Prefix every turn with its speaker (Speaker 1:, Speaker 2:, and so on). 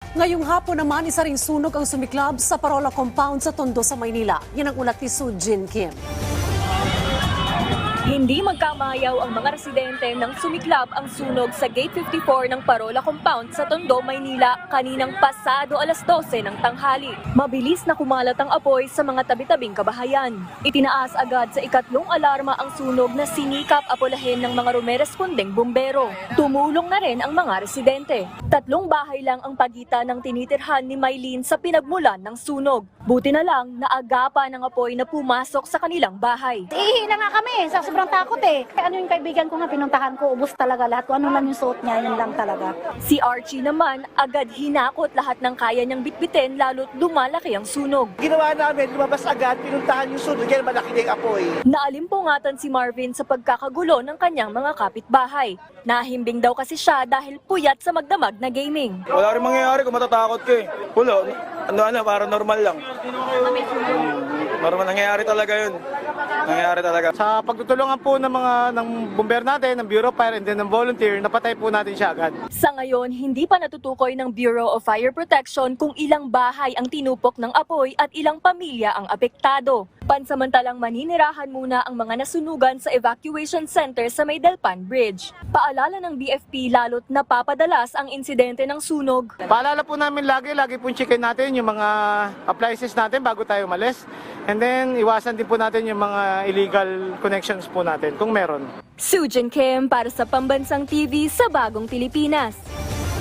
Speaker 1: Ngayong hapon naman, isa ring sunog ang sumiklab sa Parola Compound sa Tondo sa Maynila. Yan ang ulat ni Sujin Kim.
Speaker 2: Hindi magkamayaw ang mga residente nang sumiklab ang sunog sa Gate 54 ng Parola Compound sa Tondo, Maynila kaninang pasado alas 12 ng tanghali. Mabilis na kumalat ang apoy sa mga tabi-tabing kabahayan. Itinaas agad sa ikatlong alarma ang sunog na sinikap apolahin ng mga rumerespondeng bumbero. Tumulong na rin ang mga residente. 3 bahay lang ang pagitan ng tinitirhan ni Maylene sa pinagmulan ng sunog. Buti na lang naagapan ng apoy na pumasok sa kanilang bahay.
Speaker 3: Ihi na nga kami, sa sobrang takot eh. Ano yung kaibigan ko nga, pinuntahan ko, ubos talaga lahat. Kung ano lang yung suot niya, yun lang talaga.
Speaker 2: Si Archie naman, agad hinakot lahat ng kaya niyang bitbitin lalo't lumalaki ang sunog.
Speaker 4: Ginawa namin, lumabas agad, pinuntahan yung sunog, yan malaki na yung apoy.
Speaker 2: Naalimpungatan si Marvin sa pagkakagulo ng kanyang mga kapitbahay. Nahimbing daw kasi siya dahil puyat sa magdamag na gaming.
Speaker 5: Wala rin mangyayari kung matatakot ka eh. Wala, para normal lang. Normal, nangyayari talaga yun. Nangyayari talaga.
Speaker 6: Sa pagtutulungan po ng bomber natin, ng Bureau of Fire and then ng volunteer, napatay po natin siya agad.
Speaker 2: Sa ngayon, hindi pa natutukoy ng Bureau of Fire Protection kung ilang bahay ang tinupok ng apoy at ilang pamilya ang apektado. Pansamantalang maninirahan muna ang mga nasunugan sa evacuation center sa May Delpan Bridge. Paalala ng BFP lalo't napapadalas ang insidente ng sunog.
Speaker 6: Paalala po namin lagi po checkin natin yung mga appliances natin bago tayo umalis. And then, iwasan din po natin yung mga illegal connections po natin kung meron.
Speaker 2: Sujin Kim para sa Pambansang TV sa Bagong Pilipinas.